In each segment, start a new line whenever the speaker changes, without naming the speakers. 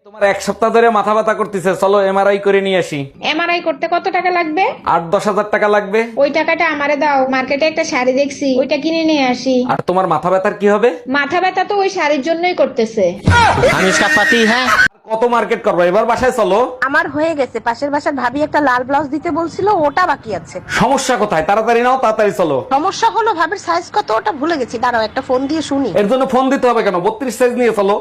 তোমার এক সপ্তাহ ধরে মাথা ব্যথা করতেছে, চলো এমআরআই করে নিয়ে আসি।
এমআরআই করতে কত টাকা লাগবে?
8-10 হাজার টাকা লাগবে।
ওই টাকাটা আমারে দাও, মার্কেটে একটা শাড়ি দেখছি, ওইটা কিনে নিয়ে আসি।
আর তোমার মাথা ব্যথার কি হবে?
মাথা ব্যথা তো ওই শাড়ির জন্যই করতেছে।
हम इसका पति है।
কত মার্কেট করবো, এবার বাসায় চলো।
আমার হয়ে গেছে, পাশের বাসার ভাবি একটা লাল ব্লাউজ দিতে বলছিল, ওটা বাকি আছে।
সমস্যা কোথায়? তাড়াতাড়ি নাও, তাড়াতাড়ি চলো।
সমস্যা হলো ভাবির সাইজ কত ওটা ভুলে গেছি, দাঁড়াও একটা ফোন দিয়ে শুনি।
এর জন্য ফোন দিতে হবে কেন? 32 সাইজ নিয়ে চলো।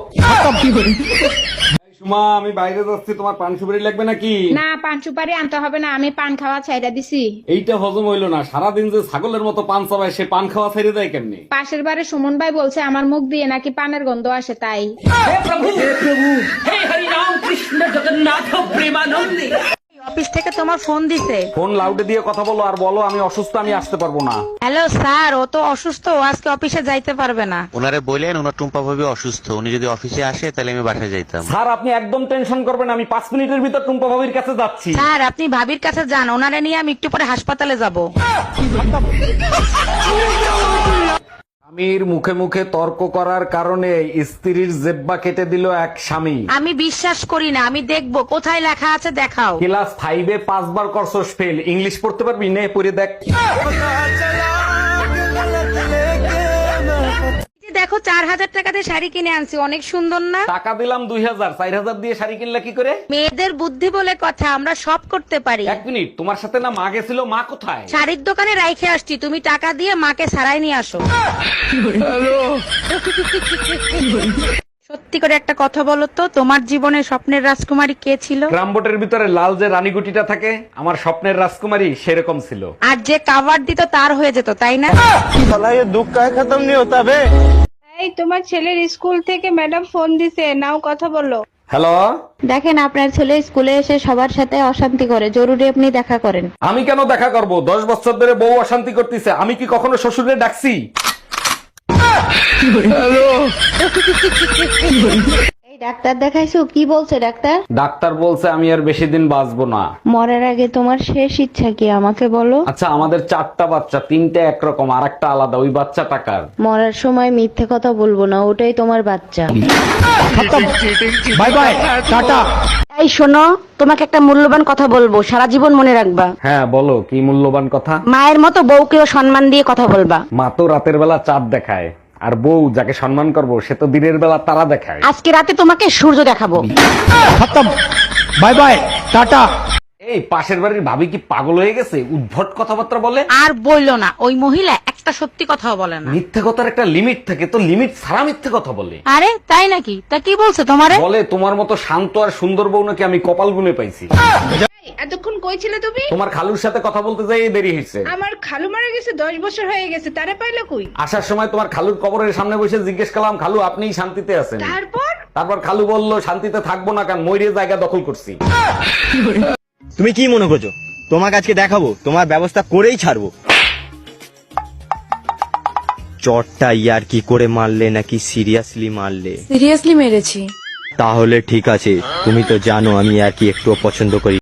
সুমা, আমি বাইরে যাচ্ছি, তোমার পান সুপারি লাগবে নাকি?
না, পান সুপারি আনতে হবে না, আমি পান খাওয়া ছাইড়া দিছি।
এইটা হজম হইলো না, সারাদিন যে ছাগলের মতো পান চাবায়, সে পান খাওয়া ছেড়ে দেয় কেমনি?
পাশের বারে সুমন ভাই বলছে আমার মুখ দিয়ে নাকি পানের গন্ধ আসে, তাই।
অফিস থেকে তোমার ফোন দিছে।
ফোন লাউডে দিয়ে কথা বলো আর বলো আমি অসুস্থ, আমি আসতে পারবো না।
হ্যালো স্যার, ও তো অসুস্থ, ও আজকে অফিসে যাইতে পারবে না।
ওনারে বললেন ওনার টুম্পা ভাবি অসুস্থ, উনি যদি অফিসে আসে তাহলে আমি বাসায় যাইতাম।
স্যার, আপনি একদম টেনশন করবেন না, আমি 5 মিনিটের ভিতর টুম্পা ভাবির কাছে যাচ্ছি।
স্যার আপনি ভাবির কাছে যান, ওনারে নিয়ে আমি একটু পরে হাসপাতালে যাব।
স্বামীর মুখে মুখে তর্ক করার কারণে স্ত্রীর জেব্বা কেটে দিল এক স্বামী।
আমি বিশ্বাস করি না, আমি দেখবো কোথায় লেখা আছে, দেখাও।
ক্লাস 5-এ 5 বার করছস ফেল, ইংলিশ পড়তে পারবি? নে পড়ে দেখ।
এই যে দেখো 4000 টাকা দিয়ে শাড়ি কিনে আনছি, অনেক সুন্দর না?
টাকা দিলাম 2000, 4000 দিয়ে শাড়ি কিনলা কি করে?
মেয়েদের বুদ্ধি বলে কথা, আমরা সব করতে পারি।
1 মিনিট, তোমার সাথে না মা গেছিল? মা কোথায়?
শাড়ির দোকানে রাইখে আসছি, তুমি টাকা দিয়ে মাকে সারাই নিয়ে আসো। সত্যি করে একটা কথা বলো তো, তোমার জীবনে স্বপ্নের রাজকুমারী কে ছিল?
গ্রামবোটের ভিতরে লাল যে রানীগুটিটা থাকে, আমার স্বপ্নের রাজকুমারী সেরকম ছিল।
আর যে কাভার দিত তার হয়ে যেত, তাই না?
এই, তোমার ছেলের স্কুল থেকে ম্যাডাম ফোন দিছে, নাও কথা বলো।
হ্যালো,
দেখেন আপনার ছেলে স্কুলে এসে সবার সাথে অশান্তি করে, জরুরি আপনি দেখা করেন।
আমি কেন দেখা করব? 10 বছর ধরে বউ অশান্তি করতেছে, আমি কি কখনো শ্বশুরে ডাকছি?
এই ডাক্তার দেখাইছো, কি বলছে ডাক্তার?
ডাক্তার বলছে আমি আর বেশি দিন বাঁচবো না।
মরার আগে তোমার শেষ ইচ্ছা কি আমাকে বলো?
আচ্ছা, আমাদের 4টা বাচ্চা, 3টে একরকম আর একটা আলাদা, ওই বাচ্চা টাকার।
মরার সময় মিথ্যে কথা বলবো না, ওটাই তোমার বাচ্চা।
Bye bye, tata.
এই শোনো, তোমাকে একটা মূল্যবান কথা বলবো, সারা জীবন মনে রাখবা।
হ্যাঁ বলো, কি মূল্যবান কথা?
মায়ের মতো বউকেও সম্মান দিয়ে কথা বলবা।
মা তো রাতের বেলা চাঁদ দেখায়, আর বউ যাকে সম্মান করবো সে তো দিনের বেলা তারা দেখায়।
আজকে রাতে তোমাকে সূর্য দেখাবো।
Bye bye, tata. এই পাশের বাড়ির ভাবি কি পাগল হয়ে গেছে? উদ্ভট কথাবার্তা বলে।
আর বললো না, ওই মহিলা একটা সত্যি কথাও বলে না।
মিথ্যে কথার একটা লিমিট থাকে, তো লিমিট ছাড়া মিথ্যে কথা বলে।
আরে তাই নাকি? তা কি বলছে তোমারে?
বলে তোমার মতো শান্ত আর সুন্দর বউ নাকি আমি কপাল গুনে পাইছি।
এতক্ষণ কই ছিলে তুমি?
তোমার খালুর সাথে কথা বলতে যাই দেরি হয়েছে।
আমার খালু মারা গেছে, 10 বছর হয়ে গেছে, তারে পাইলো কই?
আসার সময় তোমার খালুর কবরের সামনে বসে জিজ্ঞেস করলাম, খালু আপনিই শান্তিতে আছেন? তারপর খালু বলল, শান্তিতে থাকবো না কেন, ময়ূরের জায়গা দখল করছি।
তুমি কি মনে করছো তোমাকে আজকে দেখাবো? তোমার ব্যবস্থা করেই ছাড়বো। চটটা ইয়ার কি করে মারলে নাকি সিরিয়াসলি মারলে?
সিরিয়াসলি মেরেছি।
তাহলে ঠিক আছে, তুমি তো জানো আমি আর কি একটু পছন্দ করি।